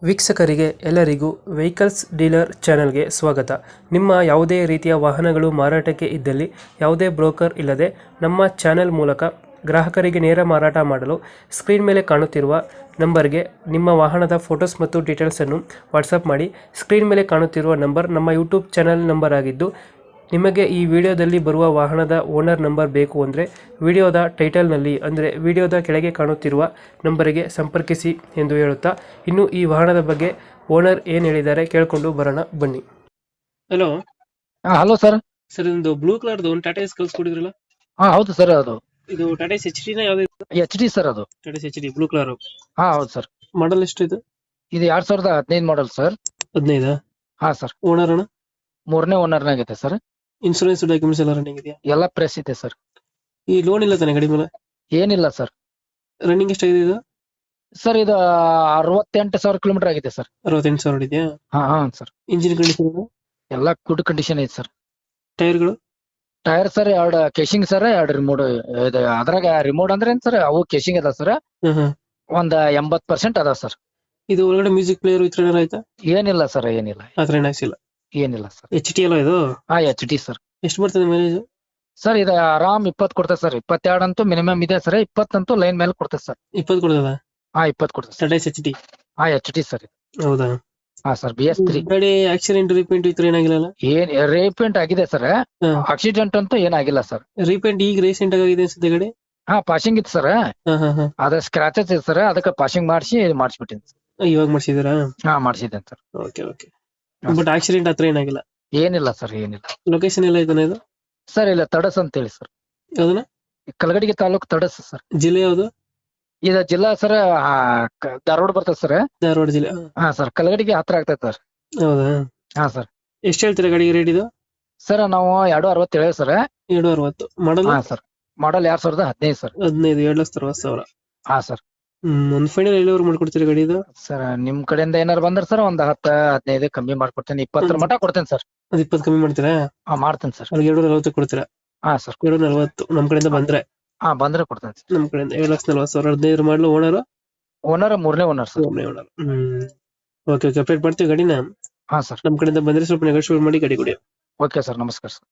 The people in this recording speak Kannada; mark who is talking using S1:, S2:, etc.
S1: ವೀಕ್ಷಕರಿಗೆ ಎಲ್ಲರಿಗೂ ವೆಹಿಕಲ್ಸ್ ಡೀಲರ್ ಚಾನೆಲ್ಗೆ ಸ್ವಾಗತ. ನಿಮ್ಮ ಯಾವುದೇ ರೀತಿಯ ವಾಹನಗಳು ಮಾರಾಟಕ್ಕೆ ಇದ್ದಲ್ಲಿ ಯಾವುದೇ ಬ್ರೋಕರ್ ಇಲ್ಲದೆ ನಮ್ಮ ಚಾನೆಲ್ ಮೂಲಕ ಗ್ರಾಹಕರಿಗೆ ನೇರ ಮಾರಾಟ ಮಾಡಲು ಸ್ಕ್ರೀನ್ ಮೇಲೆ ಕಾಣುತ್ತಿರುವ ನಂಬರ್ಗೆ ನಿಮ್ಮ ವಾಹನದ ಫೋಟೋಸ್ ಮತ್ತು ಡೀಟೇಲ್ಸನ್ನು ವಾಟ್ಸಪ್ ಮಾಡಿ. ಸ್ಕ್ರೀನ್ ಮೇಲೆ ಕಾಣುತ್ತಿರುವ ನಂಬರ್ ನಮ್ಮ ಯೂಟ್ಯೂಬ್ ಚಾನೆಲ್ ನಂಬರ್ ಆಗಿದ್ದು, ನಿಮಗೆ ಈ ವಿಡಿಯೋದಲ್ಲಿ ಬರುವ ವಾಹನದ ಓನರ್ ನಂಬರ್ ಬೇಕು ಅಂದರೆ ವಿಡಿಯೋದ ಟೈಟಲ್ನಲ್ಲಿ ಅಂದರೆ ವಿಡಿಯೋದ ಕೆಳಗೆ ಕಾಣುತ್ತಿರುವ ನಂಬರಿಗೆ ಸಂಪರ್ಕಿಸಿ ಎಂದು ಹೇಳುತ್ತಾ, ಇನ್ನು ಈ ವಾಹನದ ಬಗ್ಗೆ ಓನರ್ ಏನು ಹೇಳಿದ್ದಾರೆ ಕೇಳಿಕೊಂಡು ಬರೋಣ ಬನ್ನಿ. Hello
S2: hello sir.
S1: ಸರ್, ಇದೊಂದು ಬ್ಲೂ ಕಲರ್ದು ಒಂದು ಟಾಟಾ ಎಸ್ ಕಳ್ಸಿಕೊಡಿದ್ರಲ್ಲ,
S2: ಹೌದು ಸರ್. ಅದು
S1: ಇದು ಟಾಟಾ ಎಸ್ ಎಚ್ ಡಿ ನ ಯಾವ್ದು?
S2: H D sir. ಅದು
S1: Tata S H D blue colour.
S2: ಹೌದು ಸರ್.
S1: ಮಾಡಲ್ ಎಷ್ಟು ಇದು?
S2: ಇದು 2015 ಮಾಡಲ್ ಸರ್.
S1: 15?
S2: ಸರ್.
S1: ಓನರ್ ಅಣ್ಣ?
S2: 3ನೇ ಓನರ್ ನಾಗೈತೆ ಸರ್.
S1: ಇನ್ಸೂರೆನ್ಸ್ ಡಾಕ್ಯುಮೆಂಟ್ಸ್ ಎಲ್ಲ ರನ್ನಿಂಗ್ ಇದೆಯಾ?
S2: ಎಲ್ಲ ಪ್ರೆಸ್ ಇದೆ ಸರ್.
S1: ಈ ಲೋನ್ ಇಲ್ಲ ತಾನೆ ಗಾಡಿ ಮೇಲೆ?
S2: ಏನಿಲ್ಲ ಸರ್.
S1: ರನ್ನಿಂಗ್ ಎಷ್ಟಾಗಿದೆ ಇದು?
S2: ಸರ್ ಇದು 68,000 ಕಿಲೋಮೀಟರ್ ಆಗಿದೆ ಸರ್.
S1: 68,000 ಇದೆಯಾ?
S2: ಹಾ ಸರ್.
S1: Engine condition?
S2: ಎಲ್ಲ ಗುಡ್ ಕಂಡೀಷನ್ ಐತೆ ಸರ್.
S1: ಟೈರ್ಗಳು?
S2: Tyre sir 2 casing sir, 2 remote. ಅದ್ರಾಗ ರಿಮೋಟ್ ಅಂದ್ರೆ ಏನ್ ಸರ್, ಅವು ಕೇಶಿಂಗ್ ಅದ ಸರ್. ಒಂದ್ 80% ಅದ ಸರ್.
S1: ಇದು ಒಳಗಡೆ ಮ್ಯೂಸಿಕ್ ಪ್ಲೇಯರ್ ಈ ತರ ಏನಾರ ಆಯ್ತಾ?
S2: ಏನಿಲ್ಲ ಸರ್, ಏನಿಲ್ಲ.
S1: ಆತರ ಏನ್ ಹಾಕ್ಸಿಲ್ಲ?
S2: ಏನಿಲ್ಲ ಸರ್.
S1: ಎಚ್ ಟಿ ಅಲ್ಲ ಇದು?
S2: H D sir.
S1: ಎಷ್ಟು ಬರ್ತದೆ ಮೈಲೇಜ್?
S2: ಸರ್ ಇದು ಆರಾಮ್ 20 ಕೊಡ್ತದೆ ಸರ್. 22 ಅಂತೂ ಮಿನಿಮಮ್ ಇದೆ ಸರ್. 20 ಅಂತೂ ಲೈನ್ ಮೇಲೆ ಕೊಡ್ತದೆ ಸರ್.
S1: 20 ಕೊಡ್ತದ?
S2: 20 ಕೊಡ್ತದೆ sir.
S1: Tata H D?
S2: H D sir.
S1: ಹೌದಾ?
S2: ಸರ್ BS3
S1: ಗಾಡಿ ಆಕ್ಸಿಡೆಂಟ್ ರಿಪೇಂಟ್ ಈ ತರ ಏನಾಗಿಲ್ಲ?
S2: ಏನ್ ರೀಪೇಂಟ್ ಆಗಿದೆ ಸರ್. ಆಕ್ಸಿಡೆಂಟ್ ಅಂತೂ ಏನಾಗಿಲ್ಲ ಸರ್.
S1: ರಿಪೇಂಟ್ ಈಗ ರೀಸೆಂಟ್ ಆಗಿದೆ ಅನ್ಸುತ್ತೆ ಗಾಡಿ?
S2: ಪಾಸಿಂಗ್ ಇತ್ತು ಸರ್. ಅದ ಸ್ಕ್ರಾಚಸ್ ಇದೆ ಸರ್. ಅದಕ್ಕೆ ಪಾಸಿಂಗ್ ಮಾಡಿಸ್ಬಿಟ್ಟಿನಿ ಸರ್.
S1: ಇವಾಗ ಮಾಡ್ಸಿದಾರಾ?
S2: ಮಾಡಿಸಿದ್ದೇನೆ sir.
S1: Okay okay. But accident ಹತ್ರ ಏನಾಗಿಲ್ಲ?
S2: ಏನಿಲ್ಲ ಸರ್, ಏನಿಲ್ಲ.
S1: ಲೊಕೇಶನ್ ಎಲ್ಲ ಐತಾನೆ ಇದು?
S2: ಸರ್ ಇಲ್ಲ, ತಡಸ್ ಅಂತ ಹೇಳಿ ಸರ್.
S1: ಯಾವ್ದನ?
S2: ಕಲಗಡಿಗೆ ತಾಲೂಕು ತಡಸ್ ಸರ್.
S1: ಜಿಲ್ಲೆ ಯಾವ್ದು?
S2: ಇದು ಜಿಲ್ಲಾ ಸರ್ ಧಾರವಾಡ ಬರ್ತದೆ ಸರ್.
S1: ಧಾರವಾಡ ಜಿಲ್ಲೆ?
S2: ಸರ್. ಕಲಗಡಿಗೆ ಹತ್ರ ಆಗ್ತದೆ ಸರ್.
S1: ಹೌದಾ?
S2: ಸರ್.
S1: ಎಷ್ಟು ಹೇಳ್ತೀರಾ ಗಾಡಿಗೆ ರೇಟ್ ಇದು?
S2: ಸರ್ ನಾವು 260 ಹೇಳಿ sir.
S1: 260 model?
S2: Sir. Model 2015 sir.
S1: 15, 2,60,000.
S2: Sir.
S1: ಒಂದ್ ಫೈನಲ್ ಎಲ್ಲಿವರೆಗೆ ಮಾಡ್ಕೊಡ್ತೀರಾ ಗಾಡಿ ಇದು?
S2: ಸರ್ ನಿಮ್ ಕಡೆಯಿಂದ ಏನಾರು ಬಂದ್ರೆ ಸರ್ ಒಂದ್ 10-15 ಕಮ್ಮಿ ಮಾಡ್ಕೊಡ್ತೇನೆ. 20 ಮಟ ಕೊಡ್ತೇನೆ ಸರ್.
S1: ಅದ್ 20 ಕಮ್ಮಿ ಮಾಡ್ತೀರಾ?
S2: ಮಾಡ್ತೇನೆ ಸರ್.
S1: ಅಲ್ಲಿ 240 ಕೊಡ್ತೀರಾ?
S2: ಸರ್.
S1: 240 ನಮ್ ಕಡೆಯಿಂದ ಬಂದ್ರೆ?
S2: ಬಂದ್ರೆ ಕೊಡ್ತೇನೆ ಸರ್.
S1: ನಮ್ ಕಡೆಯಿಂದ 7,40,000. 15 ಮಾಡಲು. ಓನರ್?
S2: ಓನರ್ 3ನೇ ಓನರ್ ಸರ್.
S1: 3ನೇ ಓನರ್. Okay okay. ಅಪ್ಡೇಟ್ ಮಾಡ್ತೀವಿ ಗಾಡಿನ.
S2: ಸರ್.
S1: ನಮ್ ಕಡೆಯಿಂದ ಬಂದ್ರೆ ಸ್ವಲ್ಪ ನೆಗೋಷಿಯೇಟ್ ಮಾಡಿ ಗಾಡಿ ಕೊಡಿ.
S2: Okay sir. ನಮಸ್ಕಾರ ಸರ್.